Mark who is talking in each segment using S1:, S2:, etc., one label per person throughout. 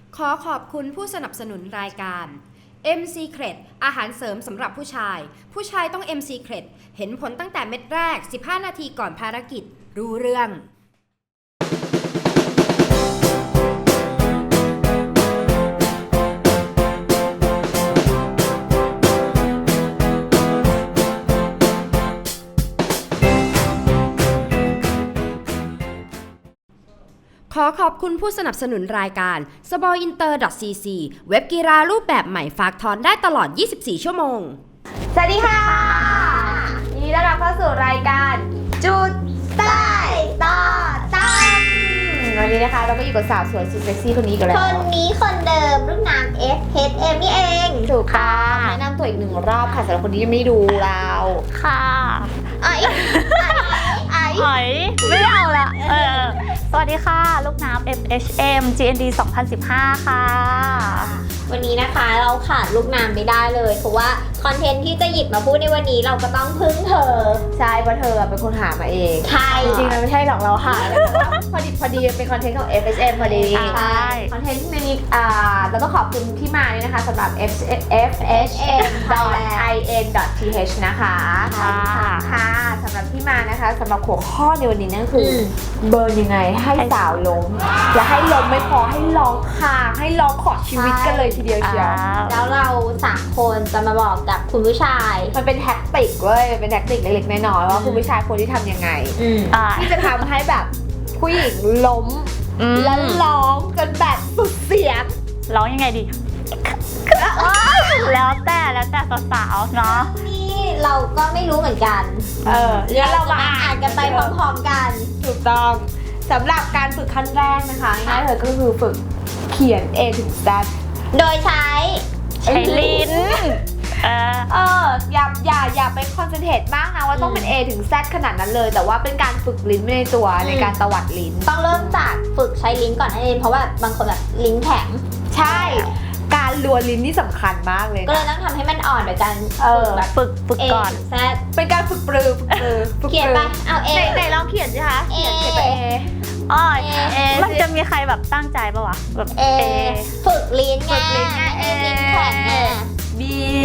S1: ขอขอบคุณผู้สนับสนุนรายการ M Secret อาหารเสริมสำหรับผู้ชายต้อง M Secret เห็นผลตั้งแต่เม็ดแรก 15 นาทีก่อนภารกิจ รู้เรื่องขอขอบคุณผู้สนับสนุนรายการ SBOINTER.cc เว็บกีฬารูปแบบใหม่ฝากถอนได้ตลอด 24 ชั่วโมง
S2: สวัสดีค่ะยินดีต้อนรับเข้าสู่รายการจุดใต้ต่อตั้งวันนี้นะคะเราก็อยู่กับสาวสวยสุดเซ็กซี่คนนี้กันแล้ว
S3: คนนี้คนเดิมรุ่นน้ำ FHM นี่เอง
S2: ถูกค่ะแนะนำตัวอีกหนึ่งรอบค่ะสำหรับคนที่ยังไม่ดูเรา
S4: ค่ะ
S3: ไอ้
S4: หอยไม่เอาละสวัสดีค่ะลูกน้ำ FHM GND 2015 ค่ะ
S3: วันนี้นะคะเราขาดลูกน้ำไม่ได้เลยเพราะว่าคอนเทนต์ที่จะหยิบมาพูดในวันนี้เราก็ต้องพึ่งเธอ
S2: ใช่เพราะเธอเป็นคนหามาเอง
S3: ใช่
S2: จริงๆมันไม่ใช่หรอกเราหาแต่ว่าพอดีเป็นคอนเทนต์ของ FHM พอดี
S4: ใช่
S2: คอนเทนต์ในนี้แล้วก็ขอบคุณที่มาด้วยนะคะสำหรับ FHM.in.th นะคะค่ะสำหรับที่มานะคะสำหรับหัวข้อในวันนี้นั่นคือเบิร์นยังไงให้สาวล้มและให้ล้มไม่พอให้ร้องคางให้ร้องขอชีวิตกันเลยทีเดียวเชียว
S3: แล้วเรา3คนจะมาบอกกับคุณผู้ชาย
S2: มันเป็นแท็กติกเว้ยเป็นแท็กติกเล็กๆน้อยๆว่าคุณผู้ชายควรที่ทำยังไงที่จะทำให้แบบผู้หญิงล้มแล้วร้องกันแบบสุดเสียง
S4: ร้องยังไงดีแล้วแต่สาวๆเนาะ
S3: นี่เราก็ไม่รู้เหมือนกัน
S2: แล้วเรามา
S3: อ่านกันไปพร้อมๆกัน
S2: ถูกต้องสำหรับการฝึกขั้นแรกนะคะง่ายๆเลยก็คือฝึกเขียน A ถึง Z
S3: โดยใช้
S4: ลิ้น
S2: อย่าไปคอนเซนเทรตมากนะว่าต้องเป็น A ถึง Z ขนาดนั้นเลยแต่ว่าเป็นการฝึกลิ้นในตัวในการตวัดลิ้น
S3: ต้องเริ่มจากฝึกใช้ลิ้นก่อนนั่นเองเพราะว่าบางคนแบบลิ้นแข็ง
S2: ใช่การลวนลิ้นนี่สำคัญมากเลย
S3: ก็เลยต้องทำให้มันอ่อนโดยการ
S4: แบบฝึกก่อน
S2: เป็นการฝึกปรือ
S3: เขียนไปเอา A
S2: ไหนลองเขียนสิคะเขียนไป
S4: A มันจะมีใครแบบตั้งใจปะวะแบบ
S3: A ฝึกลิ้นไงลิ้นแข็งไง
S2: B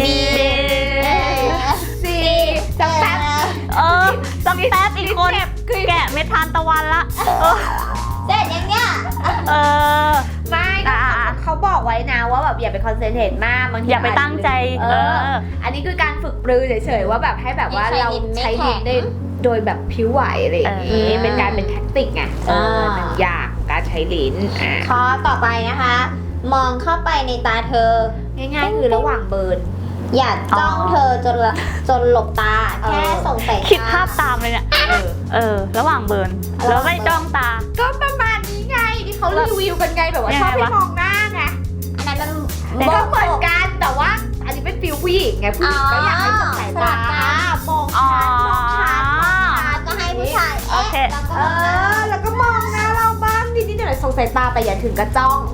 S2: C
S4: สักแป๊บอีกคนแกะเม็ดทานตะวันละ
S3: เสร็จยังเนี่ย
S2: ไม่เขาบอกไว้นะว่าแบบอย่าไปคอนเซนเทรตมากบางที
S4: อย่าไปตั้งใจ
S2: อันนี้คือการฝึกปรือเฉยๆว่าแบบให้แบบว่าเราใช้ลิ้นได้โดยแบบผิวไหวอะไรอย่างนี้เป็นการเป็นแท็กติกไงหนึ่งอย่างการใช้ลิ้น
S3: ข้อต่อไปนะคะมองเข้าไปในตาเธอ
S2: ง่ายๆคือระหว่างเบิร์น
S3: อย่าจ้องเธอจนหลบตาแค่ส่งสายตา
S4: คิดภาพตามเลยเนี่ยระหว่างเบิร์นแล้วไม่จ้องตา
S2: ก็ประมาณนี้ไงที่เขารีวิวกันไงแบบว่าชอบให้มองหน้าไง
S3: อันนั้น
S2: มันก็เหมือนกันแต่ว่าอันนี้เป็นฟิลผู้หญิงไงผู้หญิงก็อยากให้ส่งสายตามองชัด
S3: ก็ให้ผู้ชาย
S2: แล้วก็มองหน้าเราบ้างนิดๆหน่อยๆส่งสายตาไปอย่าถึงกับจ้อง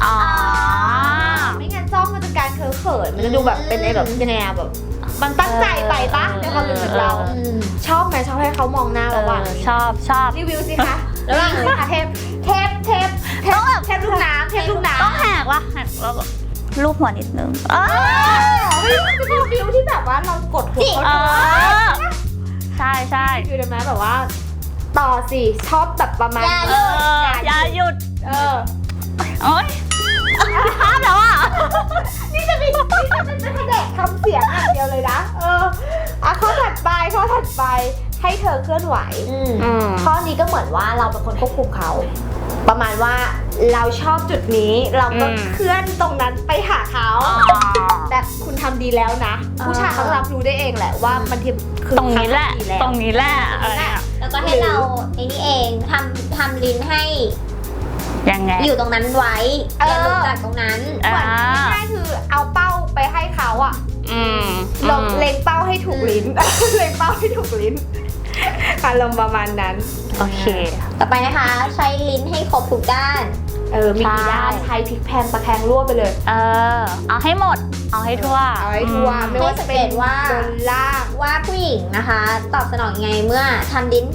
S2: ไม่งั้นจ้องมันจะการเขินมันจะดูแบบเป็นไอ้แบบแนวแบบมันตั้งใจไปปะในความรู้สึกเราชอบไหมชอบให้เขามองหน้าเราบ้าง
S4: ชอบ
S2: รีวิวสิคะแล้วก็เทปลูกน้ำ
S4: ต้องแหกแล้วลูบหัวนิดนึง
S2: มันจะเป็นฟิลที่แบบว่าเรากดหัวเขา
S4: ใช่
S2: คือได้ไหมแบบว่าต่อสิชอบแบบประมาณ
S4: อย่าหยุดโอ๊ยภาพแล้ว
S2: นี่จะเป็นแดกคำเสียงอย่างเดียวเลยนะข้อถัดไปให้เธอเคลื่อนไหวข้อนี้ก็เหมือนว่าเราเป็นคนควบคุมเขาประมาณว่าเราชอบจุดนี้เราก็เคลื่อนตรงนั้นไปหาเขาแต่คุณทำดีแล้วนะผู้ชายเขารับรู้ได้เองแหละว่ามันคือ
S4: ตรงนี้แหละ
S3: แล้วก็ให้เราไอ้นี่เองทำลิ้นให้
S4: ยังไง
S3: อยู่ตรงนั้นไว้อย่าลุกจากตรงนั้น
S2: ง่ายๆคือเอาเป้าไปให้เขาลงเล็งเป้าให้ถูกลิ้นเล็งเป้าให้ถูกลิ้นอารมณ์ประมาณนั้น
S4: โอเค
S3: ต่อไปนะคะใช้ลิ้นให้ครบทุกด้าน
S2: มีกี่ด้านใช้พลิกแพงตะแคงรั่วไปเลย
S4: เอาให้หมดเอาให้ทั่ว
S2: ไม่ว่าจะเป็นว่าบนล่าง
S3: ว่าผู้หญิงนะคะตอบสนองไงเมื่อทำลิ้น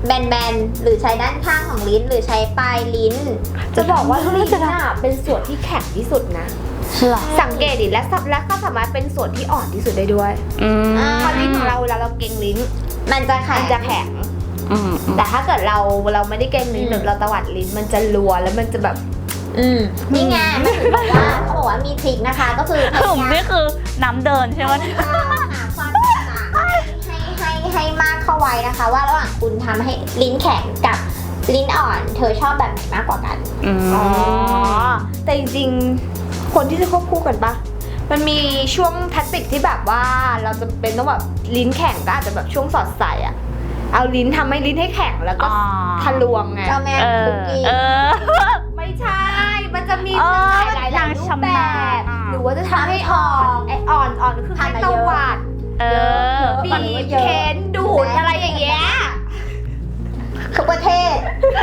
S3: แบนๆหรือใช้ด้านข้างของลิ้นหรือใช้ปลายลิ้น
S2: จะบอกว่าลิ้นน่ะเป็นส่วนที่แข็งที่สุดนะ
S4: หรอ
S2: สังเกตดิและก็สามารถเป็นส่วนที่อ่อนที่สุดได้ด้วย เพราะลิ้นของเราเวลาเราเกร็งลิ้น
S3: มันจะแข็
S2: มั
S3: ง
S2: นจะแข็ง แต่ถ้าเกิดเราไม่ได้เกร็งลิ้นหรือเราตวัดลิ้นมันจะรัวแล้วมันจะแบบ
S3: นี่ไงมันถึงบอกว่าเขาบอกว่ามีทริคนะคะ ก็คือพ
S4: กลุ่ม
S3: ยายาม
S4: นี่คือน้ำเดินใช่ไหม
S3: หาความแตกต่างให้มากเข้าไว้นะคะ ว่าระหว่างคุณทำให้ลิ้นแข็งกับลิ้นอ่อน เธอชอบแบบไหนมากกว่ากัน
S2: อ๋อ แต่จริงๆ คนที่จะควบคู่กันปะมันมีช่วงแทคติกที่แบบว่าเราจะเป็นต้องแบบลิ้นแข็งก็อาจจะแบบช่วงสอดใส่อะเอาลิ้นทำให้ลิ้นให้แข็งแล้วก็ทะลวงไง
S3: เจ้าแม่
S4: เอ
S3: คุ
S4: อก
S3: กี้
S2: ไม่ใช่ มันจะมี
S4: เออ
S2: หลายรูป
S4: ชำ
S2: แบ
S4: นาญ
S2: บ หรือว่าจะทำให้อ่อนไออ่อนคือให้ตวัด
S4: เออ
S2: บีบเค้นดูดอะไรอย่างเงี้ย
S3: ทุกประเทศ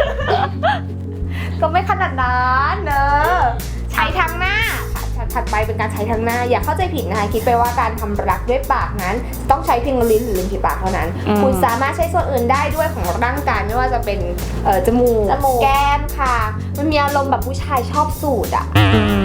S2: ก็ไม่ขนาดนั้นเนอะใช้ทางหน้าถัดไปเป็นการใช้ทางหน้า อย่าเข้าใจผิดนะคะคิดไปว่าการทำรักด้วยปากนั้น ต้องใช้เพียงลิ้นหรือริมฝีปากเท่านั้น คุณสามารถใช้ส่วนอื่นได้ด้วยของร่างกายไม่ว่าจะเป็นจมูกแก้มค่ะมันมีอารมณ์แบบผู้ชายชอบสูดอ่ะ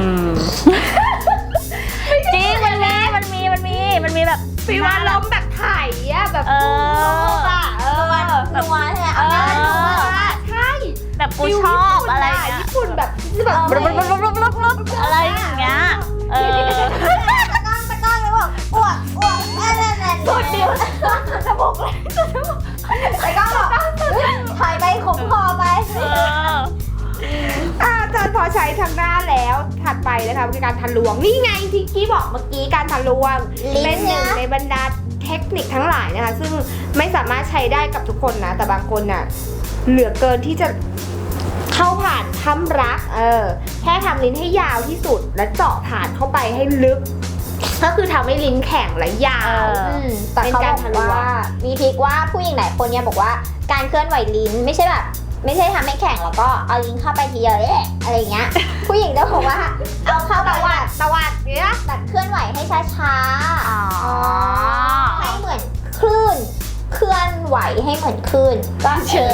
S4: จริงมันมีแบบ
S2: ฟีลอารมณ์แบบไถ่อะแบบ
S4: เออ
S2: อะแบบ
S3: นัวใช่ไหมเอาหน้านัว
S2: ใช่
S4: แบบกูชอบอะไรอย่างเงี้ย
S2: ญี่ปุ่นแบบแบบ
S4: อะไรอย่างเงี้ยเออ
S3: ตะก้อนแล้วบอกอ้วกอะไรนั่น
S2: สุดเดียวจะบอกเลย
S3: ตะก้อนบอกถอยไปขมคอไป
S4: เออ
S2: พอใช้ทางหน้าแล้วถัดไปนะคะคือการทะลวงนี่ไงที่กี้บอกเมื่อกี้การทะลวง
S3: ลิ้น
S2: เป็นหนึ่ง
S3: นะ
S2: ในบรรดาเทคนิคทั้งหลายนะคะซึ่งไม่สามารถใช้ได้กับทุกคนนะแต่บางคนน่ะเหลือเกินที่จะเข้าผ่านทำรักแค่ทำลิ้นให้ยาวที่สุดและเจาะผ่านเข้าไปให้ลึก ก็คือทำให้ลิ้นแข็งและยาว
S3: แต่เขาบอกว่ามีทริคว่าผู้หญิงหลายคนเนี่ยบอกว่าการเคลื่อนไหวลิ้นไม่ใช่ทำให้แข็งแล้วก็เอาลิ้นเข้าไปทีเดียวอะไรอย่างเงี้ย ผู้หญิงจะบอกว่าเอาเข้าไปตวัดเนี่ยแบบเคลื่อนไหวให้ช้า
S4: อ๋อ
S3: ๆให้เหมือนคลื่นเคลื่อนไหวให้เหมือนคลื่นก็เชิ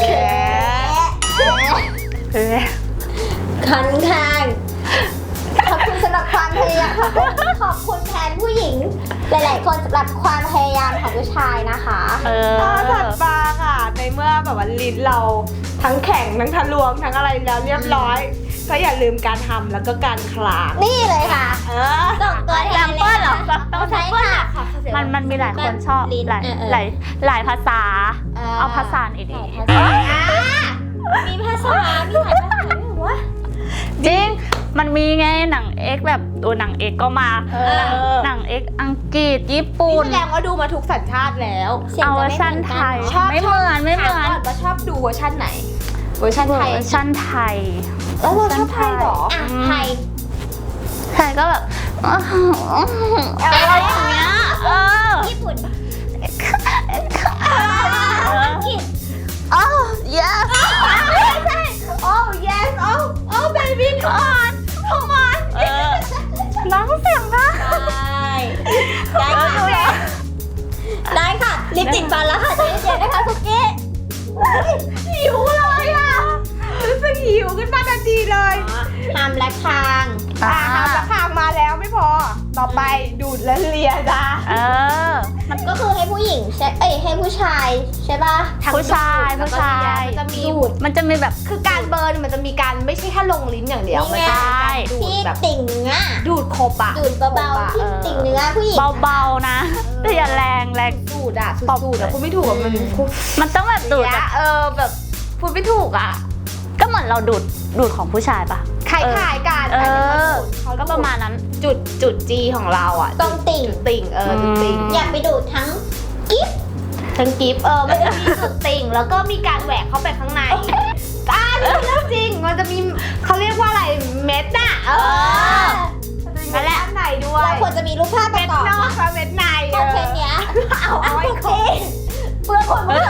S3: ญค่อนข้างขอบคุณสำหรับความพยายามขอบคุณแทนผู้หญิงหลายๆคนสำหรับความพยายามของผู้ชายนะคะ
S4: เออ
S2: ถัดมาค่ะในเมื่อแบบว่าลิ้นเราทั้งแข็งทั้งทะลวงทั้งอะไรแล้วเรียบร้อย ก็อย่าลืมการทำแล้วก็การคลาง
S3: นี่เลยค่ะ ส่งตัวแทนเลยค่ะ
S4: ต้องใช้
S3: ใช้ค่ะ
S4: มันมีหลายคนชอบ
S3: ลิ้น
S4: หลายภาษา เอาภาษาไหนดี
S3: มีภาษา มีหลายภาษาด้วยเหรอวะ
S4: จริง มันมีไงหนังเอ็กแบบตัวหนังเอ็กก็มา หนังเอ็กอังกฤษญี่ปุ่น
S2: แสดงว่าดูมาทุกสัญชาติแล้ว
S3: เสียง
S4: เอาเว
S3: จะ
S4: อ
S3: ไม่
S4: ร์
S3: เห
S4: ชั
S3: มื
S4: น
S3: อน
S4: ไท
S3: กัน
S4: ย
S3: เนอะ
S2: ชอบ
S4: ไม่เหมือน
S2: ถามก่อนว่าชอบดูเวอร์ชันไหน เวอร์ชัน
S4: เว
S2: ไท
S4: อย ร์ชันไทย
S2: แล้วเราชอบไทยเหรอ
S3: อ่ะไทย
S4: ไทยก็แบบอะไรอย่างเงี้ยเออ
S3: ญี่ปุ่น
S4: อังกฤษอ๋อ yes
S2: โอ้ yes โอ้ baby come on come on
S4: น้องเสียงนะ
S3: ได้ค่ะได้ค่ะ ลิปติดฟันแล้วค่ะใจเย็นๆนะคะคุกกี้
S2: หิวเลยอ่ะรู้สึกหิวขึ้นมาทันทีเลย
S3: ทำและคาง
S2: ทำราคางมาแล้วไม่พอ ต่อไปดูดและเลียจ้า
S4: เออ
S3: มันก็คือให้ผู้หญิงใช่ให้ผู้ชายใช่ป่ะ
S4: ผู้ชาย
S2: มันจะมี
S3: ดูด
S4: มันจะมีแบบ
S2: คือการเบิร์นมันจะมีการไม่ใช่แค่ลงลิ้นอย่างเดียว
S3: นี่
S2: มัน
S3: ไง
S2: จะมีการดูด
S3: ที่
S2: แบบ
S3: ติ่งเนื้อ
S2: ดูดครบอะ
S3: ดูดเบาๆที่ติ่งเนื้อผู้หญิง
S4: เบาๆนะแต่อย่าแรง
S2: ดูดอะสุดๆอะพูดไม่ถูกอะมัน
S4: มันต้องแบบดูดแบบ
S2: แบบพูดไม่ถูกอะ
S4: ก็เหมือนเราดูดของผู้ชายปะ
S2: คล้ายๆกัน
S4: เอ
S2: แต่
S4: อ
S2: เขา
S4: ก็ประมาณนั้น
S2: จุดจีของเราอะ
S3: ตรงติ่ง
S2: จุดติ่งจุดติ่ง
S3: อย่าไปดูดทั้งกิ๊บ
S2: ทั้งกิฟมันจะมีจุดติ่งแล้วก็มีการแหวกเข้าไปข้างในนี่เรื่องจริงมันจะมีเขาเรียกว่าอะไรเม็ดน่ะนั่นแหละอันไหนด้วย
S3: เราควรจะมีรูปภาพป
S2: เม็
S3: ระ
S2: ด
S3: กอบ
S2: นอกกับเม็ดใน
S3: คอนเทนต์เนี้ย
S2: เอาไว้ครบ
S3: เพื่อคนว่า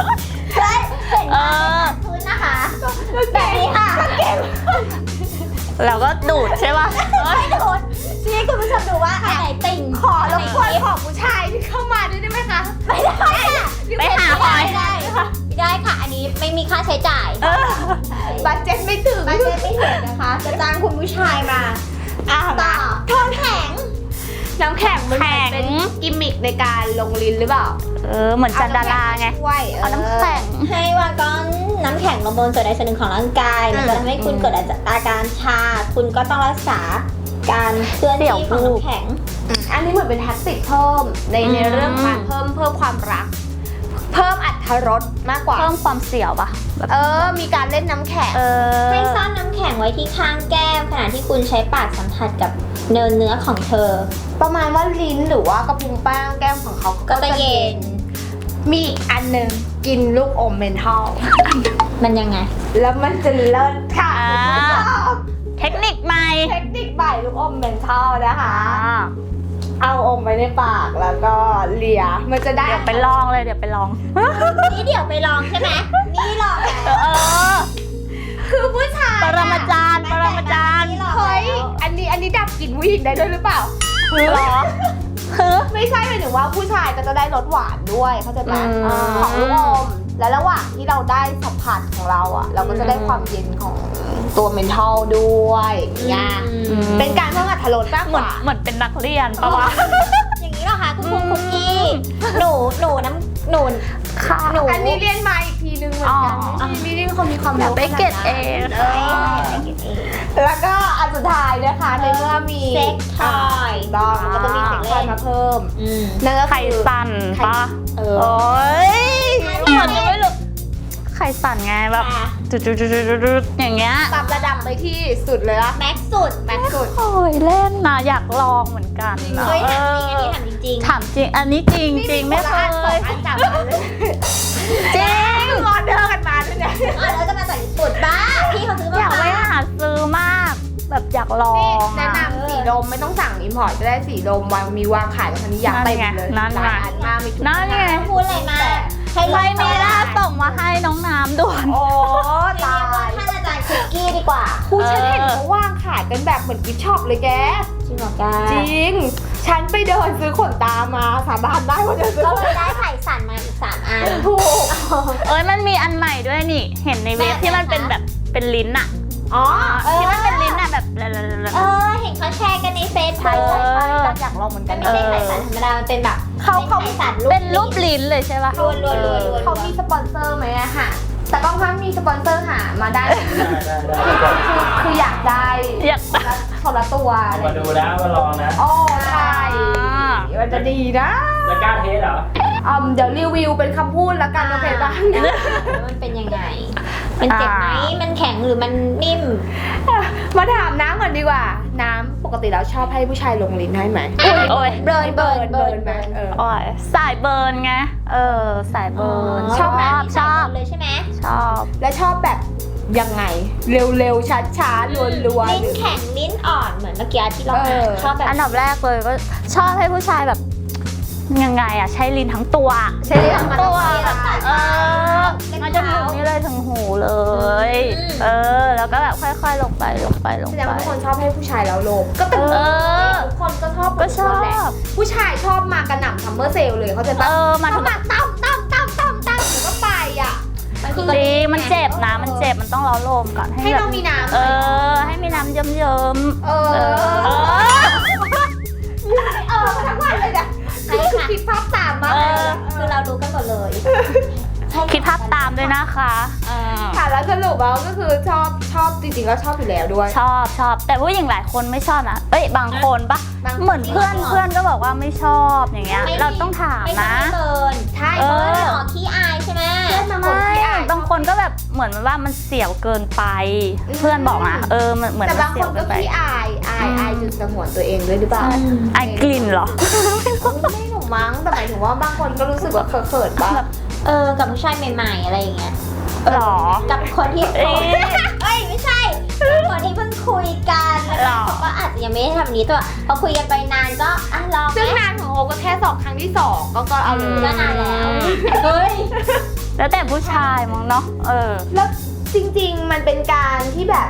S3: ใช่เห็น
S4: เออ
S3: พื้นนะคะแบบนี้ค่ะ
S4: แล้วก็ดูดใช่ป่ะ
S3: ไม่โดนชี้ให้คุณผู้ชมดูว่าอันไหนติ่ง
S2: ขอรบกวนของผู้ชายที่เข้ามาด้วยได้ไหมคะ
S3: ไม่ได้ค่ะ
S4: ไปหาหอย
S3: ไม่ได้ค่ะไม่ได้ค่ะ อันนี้ไม่มีค่าใช้จ่าย
S2: บัตเจ็ตไม่ถึง
S3: บัตเจ็ตไม่ถึงนะคะ จะจ้างคุณผู้ชายมา
S2: อ่ะ
S3: ต่อ
S2: มา
S3: ทองแข็ง
S2: น้ำแข็งมันเหมือนเป็นกิมมิคในการลงลิ้นหรือเปล่า
S4: เหมือนจันดาราไง
S2: ช่วย
S4: เอาน้ำแข็ง
S3: ให้วางก้อนน้ำแข็งลงบนส่วนใดส่วนหนึ่งของร่างกาย มันจะทำให้คุณเกิดอาการชา คุณก็ต้องรักษาการเคลื่อนที่ของน้ำแข็ง
S2: อันนี้เหมือนเป็นแท็กติกเพิ่มในเรื่องการเพิ่มความรัก เพิ่มอรรถรสมากกว่า
S4: เพิ่มความเสี่ยวป่ะแบบ
S2: มีการเล่นน้ำแข็ง
S3: ให้ซ่อนน้ำแข็งไว้ที่ข้างแก้มขณะที่คุณใช้ปากสัมผัสกับเนื้อของเธอ
S2: ประมาณว่าลิ้นหรือว่ากระพุ้งแป้งแก้มของเขา
S3: ก็จะเย็น
S2: มีอีกอันหนึ่งกินลูกอมเมนทัล
S3: มันยังไง
S2: แล้วมันจะเลิศค่ะ
S4: อ่า
S2: คุณผู้ชม
S4: เทคนิคใหม่
S2: เทคนิคใหม่ลูกอมเมนทัลนะคะ เอาอมไว้ในปากแล้วก็เลียมันจะได้
S4: เดี๋ยวไปลองเลยเดี๋ยวไปลอง
S3: นี่เดี๋ยวไปลองใช่ไหม นี่หรอก
S2: คือผู้ชาย
S4: ปรมาจารย์ปรมาจารย์
S2: เฮ้ยอันนี้ดับกลิ่นผู้หญิงได้ด้วยหรือเปล่า
S4: เหรอคือ
S2: ไม่ใช่หมายถึงว่าผู้ชายก็จะได้รสหวานด้วยเข้าใจไหม
S4: อืม
S2: ของลูกอมและระหว่างที่เราได้สัมผัสของเราอ่ะ เราก็จะได้ความเย็นของตัวเมนทัลด้วยเนี่ยเป็นการเพิ่มอรรถรสมาก
S4: เห
S2: ก
S4: มือน
S2: ว่า
S4: เหมือนเป็นนักเรียนปะวะ
S3: อย่างนี้เหรอคะคุณครูคุกกี้ หนูน้ำหนู
S4: ค่ะ
S3: หนู
S2: อันนี้เรียนมาอีกทีนึงเหมือนกัน
S4: อ๋อ
S2: นี่นี่คนมีความ
S4: อยาก
S2: รู้
S4: ได้เกรดเอ
S2: แล้วก็อันสุดท้ายนะคะในเมื่อมี
S3: เซ็กทอย
S2: ต้องมันก็ต้องมีเซ็กทอยมาเพิ่ม
S3: อืม
S2: นั่นก็
S4: ไข่
S2: คือ
S4: สั่นปะ
S2: เอ
S4: โอ้
S2: อย
S4: เหมือนจะไม่รู้ไข่สั่นไงแบบจุดๆๆๆอย่างเงี้ย
S2: ปรับระดับไปที่สุดเลยละ
S3: แม็กซ์สุด
S2: แม็กซ์สุด
S4: โอ้ยเล่นนะอยากลองเหมือนกัน
S2: จริงเหรอ
S3: เฮ้ยถามจริงอันนี้ถามจริง
S4: ถามจริง อันนี้จริงจริงไม่เคย
S2: สองอันสามอันเลย
S4: จริง
S2: ออเดอร์กันมาด้วยเนี่ย
S3: ๆแล้วจะมาจากญี่ปุ่นบ้าพี่เขาซื้อมา
S4: อยากไปหาซื้อมาก แบบอยากลอ
S2: นี่
S4: ง
S2: แนะนำสีดมไม่ต้องสั่งอิมพอร์ตก็ได้สีดมวางขายแล้วคันนี้อยากเต็มเลย
S4: นั่นไง
S2: หลายอันมากมีทุก
S4: นั่นไง
S3: พูดอะไรมาให้
S4: ไม่มีล่าส่งมาให้น้องน้ำด่วน
S2: โอ้
S3: ตา
S2: ตาย
S3: ท่านอาจารย์คุกกี้ดีกว่า
S2: ครูฉันเห็นเขาวางขายกันแบบเหมือนกิฟต์ช็อปเลยแก
S3: จริงเหรอแก
S2: จริง ฉันไปเดินซื้อขนตามาสาบานได้ว่าเดินซื้อ
S3: ก็
S2: ข
S3: เล
S2: น
S3: ยได้ไข่สั่นมาอีก3 อัน
S2: ถูก
S4: เอ้ยมันมีอันใหม่ด้วยนี่ เห็นในเว็บ
S3: แบบไหน
S4: ที่มันเป็น
S3: คะ
S4: แบบเป็นลิ้นอะ
S2: อ๋อ
S4: ที่มันเป็นลิ้นอะแบบ
S3: เห็นเขาแชร์กันในเฟซ
S2: ใช่
S3: บุ๊ก
S2: ใช่ใช่อยากลองเหมือนกั
S3: มัน นไม่ใช่ไข่สั่นธรรมดา มันเป็นแบบ
S2: เขา
S3: ไข่สั่น
S4: เป็นรูปลิ้นเลยใช่ปะ
S3: รัวๆ
S2: เขามีสปอนเซอร์ไหมอะค่ะ แต่ก็ถ้ามีสปอนเซอร์หามาได้ คืออยากได้
S4: อยาก
S2: คนละตัว
S5: มาดูนะมาลองนะ
S2: โอ้ใช่มันจะดีนะ
S5: จะกล้าเทสเหรอ
S2: เดี๋ยวรีวิวเป็นคำพูดแล้วกันโอเคปะ
S3: แล้วมันเป็นยังไง มันเจ็บไหม มันแข็งหรือมันนิ่ม
S2: มาถามน้ำก่อนดีกว่า น้ำปกติแล้วชอบให้ผู้ชายลงลิ้นให้ไหม
S4: โอ้ย
S2: เบิร์นไหมเออ
S4: โอ้ยสายเบิร์นไง สายเบิร์น
S2: ชอบไหม
S4: ชอบ
S3: เลยใช่ไหม
S4: ชอบ
S2: และชอบแบบยังไง เร็วๆช้าๆรัวๆ
S3: ลิ้นแข็งลิ้นอ่อนเหมือนเมื่อกี้ที่เรา
S2: เออ
S3: ชอบแบบ
S4: อันดับแรกเลยก็ชอบให้ผู้ชายแบบยังไงอะใช้ลิ้นทั้งตัว
S2: ใช้ลิ้นทั้งตัว
S4: แบบมาจนถึงนี่เลยถึงหูเลย แล้วก็แบบค่อยๆลงไป
S2: แสดงว่าทุกคนชอบให้ผู้ชายแล้วลงก็เป็นทุกคนก็ชอบ
S4: ก็ชอบ
S2: แหละผู้ชายชอบมากระหน่ำซัมเมอร์เซลเลยเขาใจปะ
S4: มา
S2: เขา
S4: ถึง
S2: มาตั้มหนูก็ไปอ่ะ
S3: มันคือ
S4: ดีมันเจ็บนะมันเจ็บมันต้องเล้าโลมก่อน
S2: ให้เรามีน้ำ
S4: ให้มีน้ำเยิ้มๆ
S2: มาทั้งวันเลยนะคือคิดภาพตามมากเลยนะ
S3: คือเรารู้กันหมดเลย
S4: คิดภาพตามด้วยนะคะเออ
S2: ค่ะแล้วสรุปแล้วก็คือชอบจริงๆแล้วชอบอยู่แล้วด้วย
S4: ชอบแต่ผู้หญิงหลายคนไม่ชอบนะบางคนปะ
S2: บางคน
S4: เหมือนเพื่อนก็บอกว่าไม่ชอบอย่างเงี้ยเราต้องถาม
S3: ไม่
S4: นะ
S3: เบิร์น
S2: ใช่
S3: เบิร์นไม่ออกขี้อายใช่ไหม
S4: ไม่บางคนก็แบบเหมือนว่ามันเสียวเกินไป เพื่อนบอกนะมันเหมือน
S2: แต่
S4: มัน
S2: บาง
S4: เสี
S2: ค
S4: ยวน เกิ
S2: ก็
S4: นไป
S2: ขี้อายจุดสงวนตัวเองด้วยหรือเปล่า
S4: ไอกลิ่นเหรอ
S2: ไม่หนูมั้งแต่หมายถึงว่าบางคนก็รู้สึกว่าเขินๆบ้าง
S3: กับผู้ชายใหม่ๆอะไรอย่างเงี้ย
S4: หรอ
S3: กับคนที่
S4: เอ๊ะ
S3: ไม่ใช่กับคนที่เพิ่งคุยกันแล้วเขาก็อาจจะยังไม่ได้ทำนี้ตัวพอคุยกันไปนานก็ลองไหม
S2: ซึ่งนานของโอก็แค่2 ครั้งที่ 2ก็เอาเลย
S3: ก็นานแล้วเฮ้ย
S4: แล้วแต่ผู้ชายมั้งเนาะ
S2: แล้วจริงๆมันเป็นการที่แบบ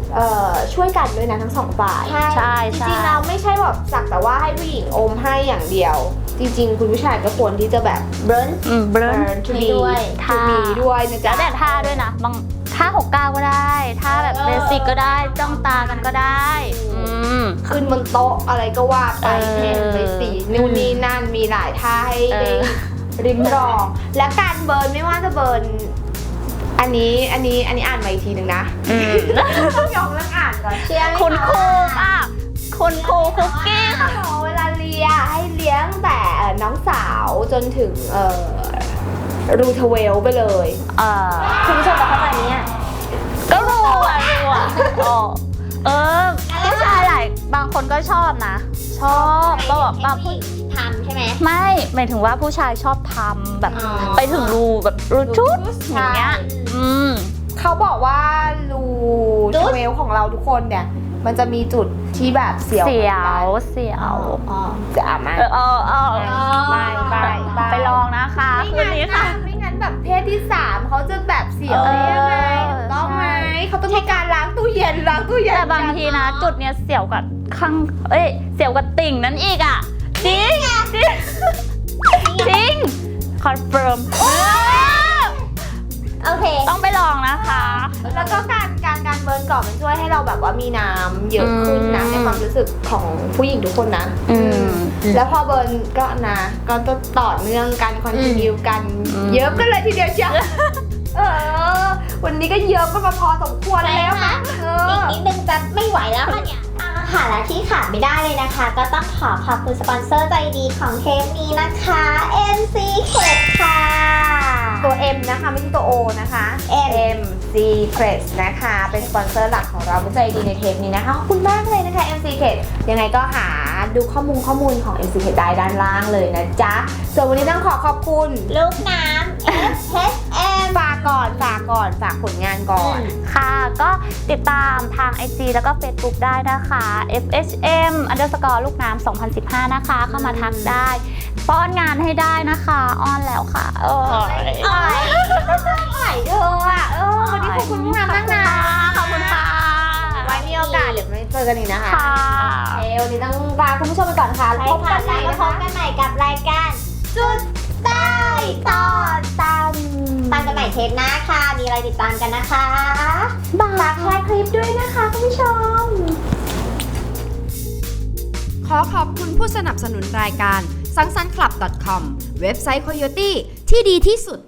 S2: ช่วยกันด้วยนะทั้งสองฝ่าย
S4: ใช่
S2: จริงๆเราไม่ใช่แบบสักแต่ว่าให้ผู้หญิงอมให้อย่างเดียว จริงๆ คุณผู้ชายก็ควรที่จะแบบ
S3: burn
S4: เบิร์น
S2: to
S3: ให้
S2: be
S3: ด้วย
S2: to be ด้วยนะ
S4: แล้
S2: จ๊ะ
S4: วแต่ท่าด้วยนะ บางท่า69ก็ได้ท่าแบบเบสิกก็ได้จ้องตากันก็ได้ม
S2: ขึ้นบนโต๊ะอะไรก็ว่าไป
S4: เออ
S2: เห็นไปสีนู่นนี่นั่นมีหลายท่าให้
S4: เอ
S2: ได้
S4: อ
S2: ริมรอง และการเบิร์นไม่ว่าจะเบิร์นอันนี้อ่านมาอีกทีหนึ่งนะ ต้องยอมเรื่องอ่านก่อน
S3: เชื่อไหม
S4: คุณครู
S3: ะ
S4: ป่ะคุณครูคุกกี้ค่ะ
S2: เวลาเลียให้เลี้ยงแต่น้องสาวจนถึงรูทเวลไปเลย
S3: คุณผู้ชมจะเข้าใจไหมเนี่ย
S4: ก็รู้อ่ะอ๋อผู้ชายหลายบางคนก็ชอบนะ ชอบก็แบบบาง
S3: ผู้หญิงทำใช่ไหม
S4: ไม่หมายถึงว่าผู้ชายชอบทำแบบ
S3: อ๋อ
S4: ไปถึงรูแบบรูชุดอย่างเงี้ย
S2: เขาบอกว่ารูทเวลของเราทุกคนเนี่ย มันจะมีจุดที่แบบเสียว
S4: เสียว
S2: จะอ่านไหม
S4: ไปลองนะคะคืนนี้ค่ะ
S2: ไม่งั้นแบบเพศที่ 3เขาจะแบบเสียวได้ยังไงถูกต้องไหมเขาต้องมีการล้างตู้เย็น
S4: แต่บางทีนะจุดเนี้ยเสียวกับเสียวกับติ่งนั้นอีกอ่ะจริงจริงคอนเฟิร์ม
S3: โอเค
S4: ต้องไปลองนะคะ
S2: แล้วก็การเบิร์นก่อนมันช่วยให้เราแบบว่ามีน้ำเยอะขึ้นนะในความรู้สึกของผู้หญิงทุกคนนะ แล้วพอเบิร์นก็นะก็ต้องต่อเนื่องกันคอนติเนียกันเยอะกันเลยทีเดียวเชียววันนี้ก็เยอะกันมาพอสมควรแล้วนะ
S3: อีกนิดนึงจะไม่ไหวแล้วค่ะเนี่ยค่ะและที่ขาดไม่ได้เลยนะคะ ก็ต้องขอบคุณสปอนเซอร์ใจดีของเทปนี้นะคะ MC Kit ค่ะ
S2: ตัว M นะคะไม่ใช่ตัว O นะคะ M Secrets นะคะเป็นสปอนเซอร์หลักของเราผู้ใจดีในเทปนี้นะคะขอบคุณมากเลยนะคะ M Secrets ยังไงก็หาดูข้อมูลของ M Secrets ได้ด้านล่างเลยนะจ๊ะส่วนวันนี้ต้องขอบคุณ
S3: ลูกน้ำ FHM
S2: ฝากผลงานก่อน
S4: ค่ะก็ติดตามทาง IG แล้วก็ Facebook ได้นะคะ FHM _ ลูกน้ำ2015 นะคะ เข้ามาทักได้ป้อนงานให้ได้นะคะอ้อนแล้วค่ะ
S2: ไหวเธออ่ะวันนี้ขอบคุณมากนะ
S4: ขอบคุณค่ะ
S2: ไว้มีโอกาสเดี๋ยวไม่เจอกันอีกนะคะ
S4: ค่ะ
S2: วันนี้ต้องลาคุณผู้ชมไปก่อนค่ะแล้วพบกันใหม่
S3: ก็
S2: นะ
S3: พ
S2: คะ
S3: บกันใหม่กับรายการจุดใต้ต่อตามกันใหม่เทปหน้าค่ะ มีอะไรติดตามกันนะคะฝากแชร์คลิปด้วยนะคะคุณผู้ชม
S1: ขอขอบคุณผู้สนับสนุนรายการ สังสรรค์คลับ .com เว็บไซต์ Coyote ที่ดีที่สุด